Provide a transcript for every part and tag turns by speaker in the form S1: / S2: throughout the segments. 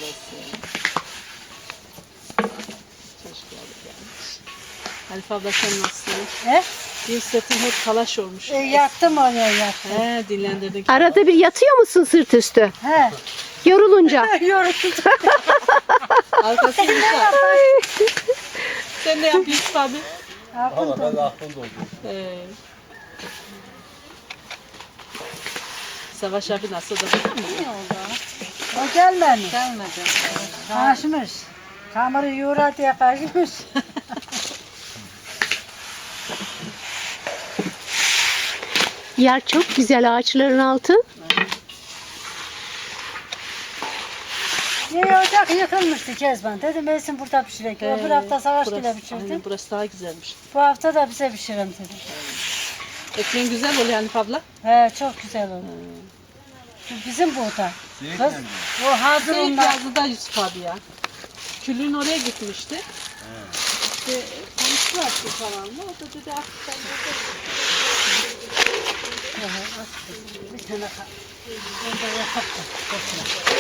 S1: Halife abla sen nasılsın?
S2: He?
S1: Bir sırtın hep talaş olmuş.
S2: Yattım oraya yattım.
S1: He, dinlendirdin.
S3: Arada bir yatıyor musun sırt üstü?
S2: He.
S3: Yorulunca.
S2: Yoruldum.
S1: Arkası güzel. Sen de yap Yusuf abi.
S4: Valla ben de aklım doldu.
S1: Savaş abi nasıl da biliyor musun?
S2: O gelmedi. Kaçmış. Kamerayı yoğura diye kaçmış.
S3: Yer çok güzel, ağaçların altı.
S2: Yeni ocak yıkılmıştı Kezban. Dedim Esin burada pişirek. Öbür hafta Savaş bile pişirdim.
S1: Aynen, burası daha güzelmiş.
S2: Bu hafta da bize pişirin dedim.
S1: Ekmeğin güzel oluyor Hanife abla.
S2: He, çok güzel oldu. Bu bizim burada. Kız, o hazır
S1: Seyit
S2: onlar.
S1: yazdı da Yusuf abi ya. Külün oraya gitmişti. İşte konuştular ki falan. O da dedi akşam
S2: Bir tane onda yapak da. Boşuna.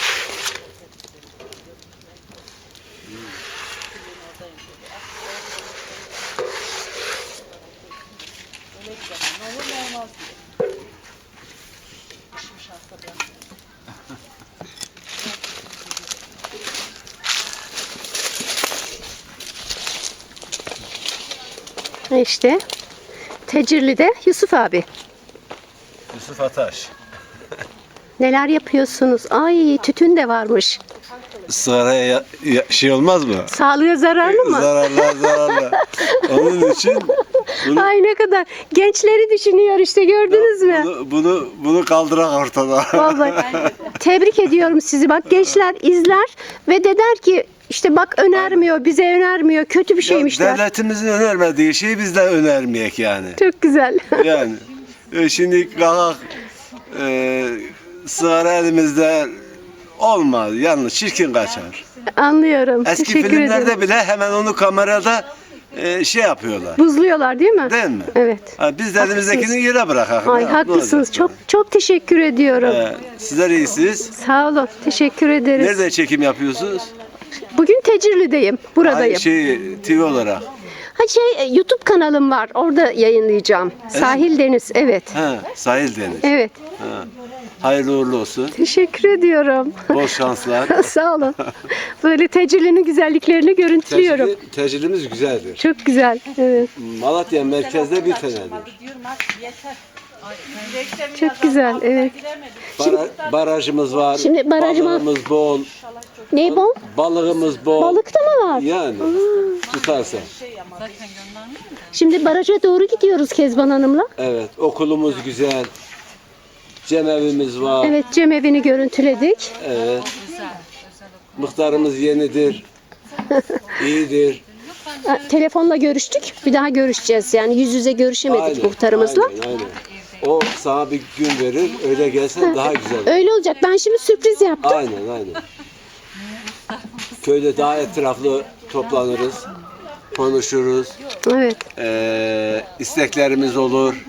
S3: İşte Tecirli'de Yusuf abi.
S4: Yusuf Ataş.
S3: Neler yapıyorsunuz? Ay tütün de varmış.
S4: Sigaraya şey olmaz mı?
S3: Sağlığa zararlı mı?
S4: Zararlı. Onun için
S3: Ay ne kadar. Gençleri düşünüyor işte gördünüz mü?
S4: bunu kaldırak ortada.
S3: Vallahi tebrik ediyorum sizi. Bak gençler izler ve de der ki işte bak önermiyor, bize önermiyor. Kötü bir şeymiş der.
S4: Devletimizin önermediği şeyi biz de önermeyek yani.
S3: Çok güzel.
S4: Yani şimdi kalkak sigara elimizde olmaz. Yalnız çirkin kaçar.
S3: Anlıyorum.
S4: Eski
S3: Teşekkür
S4: filmlerde
S3: ederim.
S4: bile hemen onu kamerada şey yapıyorlar.
S3: Buzluyorlar değil mi?
S4: Değil mi?
S3: Evet.
S4: Ha, biz de elimizdekini yere bırakalım.
S3: Ay
S4: Ya, ne
S3: haklısınız.
S4: olacak?
S3: Çok çok teşekkür ediyorum.
S4: Sizler iyisiniz.
S3: Sağ olun. Teşekkür ederiz.
S4: Nerede çekim yapıyorsunuz?
S3: Bugün Tecirli'deyim. Buradayım.
S4: TV olarak.
S3: YouTube kanalım var. Orada yayınlayacağım. Sahil Deniz. Evet.
S4: Ha, Sahil Deniz.
S3: Evet.
S4: Ha. Hayırlı uğurlu olsun.
S3: Teşekkür ediyorum.
S4: Bol şanslar.
S3: Sağ olun. Böyle Tecirli'nin güzelliklerini görüntülüyorum.
S4: Tecrübemiz güzeldir.
S3: Çok güzel. Evet.
S4: Malatya merkezde bir tanedir.
S3: Çok güzel. Evet.
S4: Barajımız var.
S3: Şimdi
S4: Balığımız bol.
S3: Ney bol?
S4: Balığımız bol.
S3: Balık da mı var?
S4: Yani tutarsa.
S3: Şimdi baraja doğru gidiyoruz Kezban Hanım'la.
S4: Evet. Okulumuz güzel. Cemevimiz var.
S3: Evet, cemevini görüntüledik.
S4: Evet. Muhtarımız yenidir. İyidir.
S3: Telefonla görüştük. Bir daha görüşeceğiz. Yani yüz yüze görüşemedik muhtarımızla.
S4: Aynen. O sana bir gün verir. Öyle gelsen daha güzel.
S3: Öyle olacak. Ben şimdi sürpriz yaptım.
S4: Aynen. Köyde daha etraflı toplanırız. Konuşuruz.
S3: Evet.
S4: İsteklerimiz olur.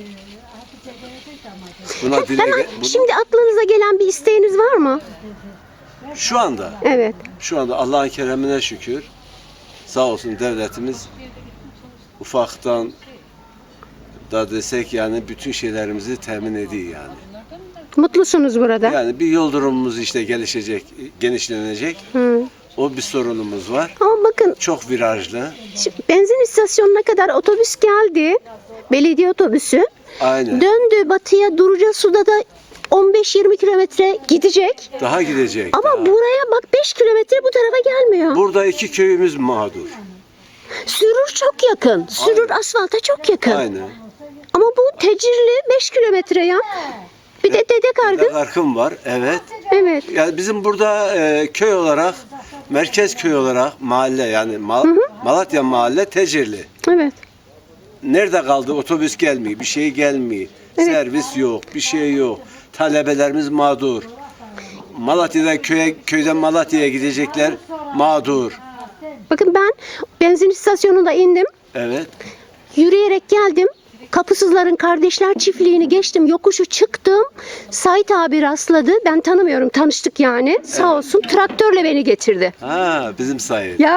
S4: Buna dile
S3: Hemen şimdi aklınıza gelen bir isteğiniz var mı?
S4: Şu anda
S3: Evet.
S4: Allah'ın keremine şükür. Sağ olsun devletimiz ufaktan da desek yani bütün şeylerimizi temin ediyor yani.
S3: Mutlusunuz burada.
S4: Yani bir yol durumumuz işte gelişecek, genişlenecek.
S3: Hı.
S4: O bir sorunumuz var.
S3: Ama bakın
S4: Çok virajlı.
S3: şimdi benzin istasyonuna kadar otobüs geldi. Belediye otobüsü.
S4: Aynen.
S3: Döndü batıya Duracasu'da da 15-20 kilometre gidecek.
S4: Daha gidecek.
S3: Ama
S4: daha.
S3: buraya bak 5 kilometre bu tarafa gelmiyor.
S4: Burada iki köyümüz mağdur.
S3: Sürür çok yakın. Sürür asfalta çok yakın.
S4: Aynen.
S3: Ama bu Tecirli 5 kilometre ya. Bir de Dede Kargı.
S4: Arkım var. Evet.
S3: Evet.
S4: Yani bizim burada köy olarak, merkez köy olarak mahalle yani Malatya mahalle Tecirli.
S3: Evet.
S4: Nerede kaldı? Otobüs gelmiyor, bir şey gelmiyor.
S3: Evet.
S4: Servis yok, bir şey yok. Talebelerimiz mağdur. Malatya'dan köyden Malatya'ya gidecekler mağdur.
S3: Bakın ben benzin istasyonunda indim.
S4: Evet.
S3: Yürüyerek geldim. Kapısızların Kardeşler Çiftliği'ni geçtim. Yokuşu çıktım. Sait abi rastladı. Ben tanımıyorum. Tanıştık yani. Sağ olsun traktörle beni getirdi.
S4: Ha, bizim sayı.
S3: Ya.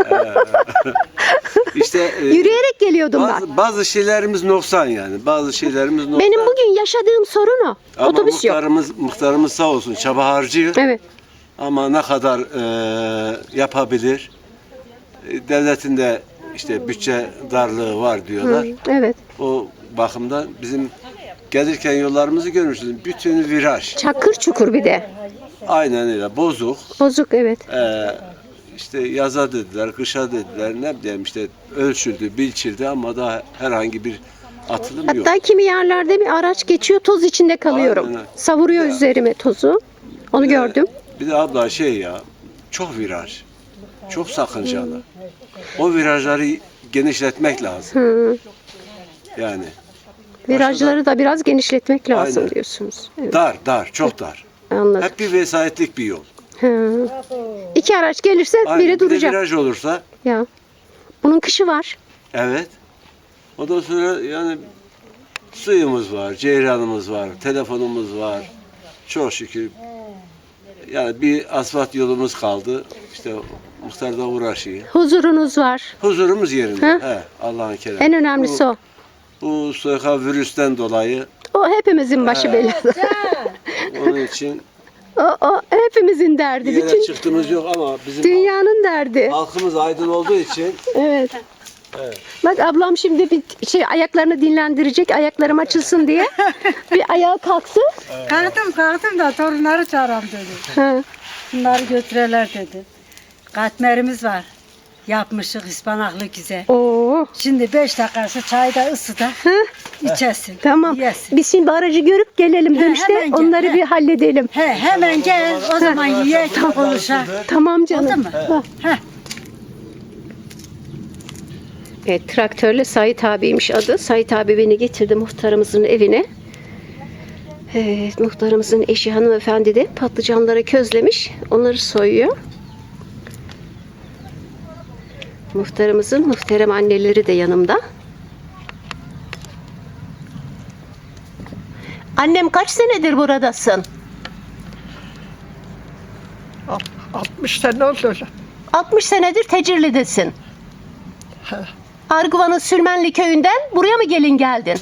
S4: İşte
S3: Yürüyerek geliyordum ben.
S4: bazı şeylerimiz noksan yani. Bazı şeylerimiz noksan.
S3: Benim bugün yaşadığım sorun o.
S4: Ama
S3: Otobüs yok.
S4: muhtarımız sağ olsun çaba harcıyor.
S3: Evet.
S4: Ama ne kadar yapabilir? Devletin de işte bütçe darlığı var diyorlar.
S3: Evet.
S4: O bakımdan bizim gelirken yollarımızı görmüşsünüz. Bütün viraj.
S3: Çakır çukur bir de.
S4: Aynen öyle. Bozuk.
S3: Bozuk evet.
S4: İşte yaza dediler, kışa dediler. Ne bileyim işte ölçüldü, biçildi ama daha herhangi bir atılım yok.
S3: Hatta kimi yerlerde bir araç geçiyor, toz içinde kalıyorum.
S4: Aynen.
S3: Savuruyor üzerime tozu. Onu gördüm.
S4: Bir de abla şey ya, çok viraj. Çok sakıncalı. O virajları genişletmek lazım.
S3: Hı.
S4: Yani
S3: Virajları da biraz genişletmek lazım
S4: Aynen.
S3: diyorsunuz. Evet,
S4: dar, çok dar.
S3: anladım.
S4: Hep bir vesayetlik bir yol.
S3: Hı. İki araç gelirse
S4: Aynen.
S3: biri
S4: Bir de
S3: duracak.
S4: viraj olursa,
S3: Ya. Bunun kışı var.
S4: evet. Ondan sonra yani suyumuz var, ceyranımız var, telefonumuz var. Çok şükür. Yani bir asfalt yolumuz kaldı. İşte muhtar da uğraşıyor.
S3: Huzurunuz var.
S4: Huzurumuz yerinde.
S3: Hı?
S4: He, Allah'ın keremi.
S3: En önemlisi o.
S4: Bu soyka virüsten dolayı
S3: O hepimizin başı belada.
S4: onun için
S3: O hepimizin derdi.
S4: bir yere
S3: Bütün
S4: çıktığımız yok ama bizim
S3: dünyanın derdi.
S4: halkımız aydın olduğu için
S3: Evet.
S4: evet.
S3: Bak ablam şimdi bir ayaklarını dinlendirecek, ayaklarım açılsın diye. Bir ayağa kalksın.
S2: Kalktım da torunları çağıram dedi.
S3: Ha.
S2: Bunları götüreler dedi. Katmerimiz var. Yapmışık ıspanaklı güzel.
S3: Oo.
S2: Şimdi 5 dakikası çayı da ısıda içesin.
S3: Tamam.
S2: Yesin.
S3: Biz şimdi aracı görüp gelelim dönüşte.
S2: hemen gel,
S3: Onları
S2: he.
S3: bir halledelim.
S2: Hemen gel o zaman yiyek konuşa.
S3: Tamam canım.
S2: Oldu mu?
S3: Ha.
S2: Heh.
S3: Evet, traktörle Sait abiymiş adı. Sait abi beni getirdi muhtarımızın evine. Evet, muhtarımızın eşi hanımefendi de patlıcanları közlemiş. Onları soyuyor. Muhtarımızın muhterem anneleri de yanımda. Annem kaç senedir buradasın?
S5: 60 sene oldu.
S3: 60 senedir Tecirli'desin. Arguva'nın Sülmenli köyünden buraya mı gelin geldin?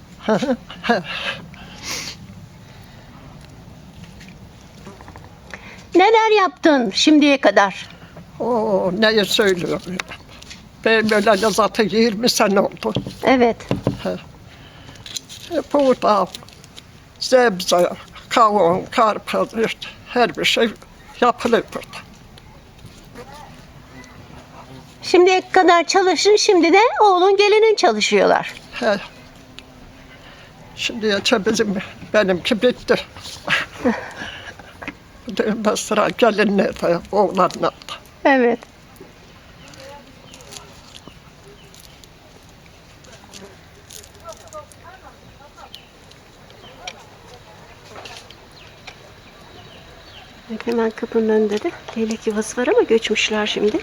S3: Neler yaptın şimdiye kadar?
S5: Oo, neyi söylüyorum. Ben böyle zaten 20 sene oldu.
S3: Evet.
S5: Burada sebze, kavun, karpuz, işte her bir şey yapılıyor burada.
S3: Şimdiye kadar çalıştın, şimdi de oğlun gelinin çalışıyorlar.
S5: He. Şimdi benimki bitti. Düğünde sıra gelinlerde, oğlanlarda.
S3: Evet. Hemen kapının önünde de leylek yuvası var ama göçmüşler şimdi.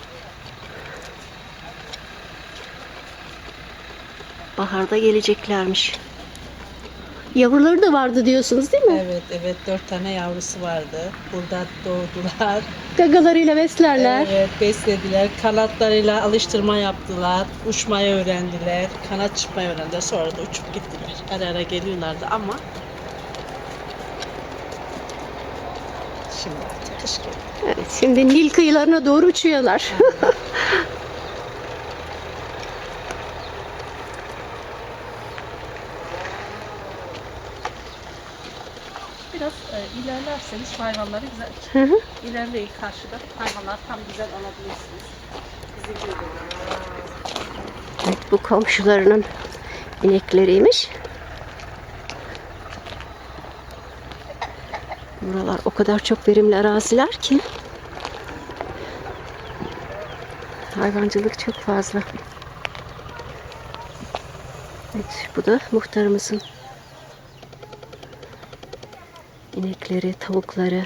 S3: Baharda geleceklermiş. Yavruları da vardı diyorsunuz değil mi?
S1: Evet 4 tane yavrusu vardı. Burada doğdular.
S3: Gagalarıyla beslerler.
S1: Evet beslediler. Kanatlarıyla alıştırma yaptılar. Uçmayı öğrendiler. Kanat çıkmayı öğrendiler. Sonra da uçup gittiler. Ara ara geliyorlardı ama şimdi artık kış geliyor.
S3: Evet, şimdi Nil kıyılarına doğru uçuyorlar.
S1: Biraz ilerlerseniz hayvanları güzel.
S3: Hı hı.
S1: İlerleyin karşıda. Hayvanlar tam güzel alabilirsiniz. Bizi görüyorlar.
S3: Evet, bu komşularının inekleriymiş. Buralar o kadar çok verimli araziler ki hayvancılık çok fazla. Evet, bu da muhtarımızın inekleri, tavukları.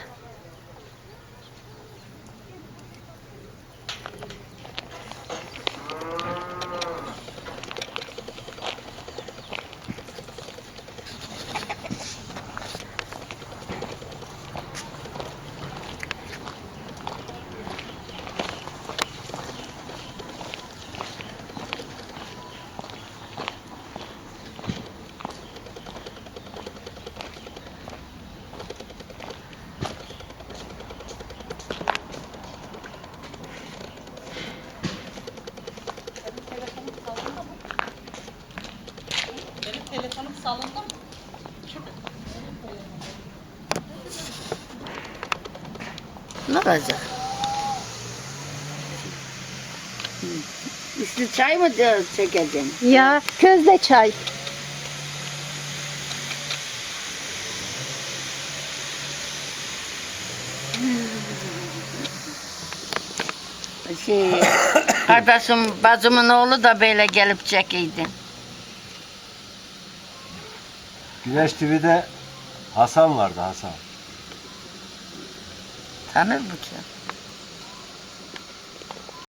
S1: salındı mı?
S6: Ne olacak? Üstü çay mı çekeceğim?
S3: Ya közde çay.
S6: Kardeşim, bacımın oğlu da böyle gelip çekiydi.
S4: Güneş TV'de Hasan vardı, Hasan.
S6: Tanır mı ki?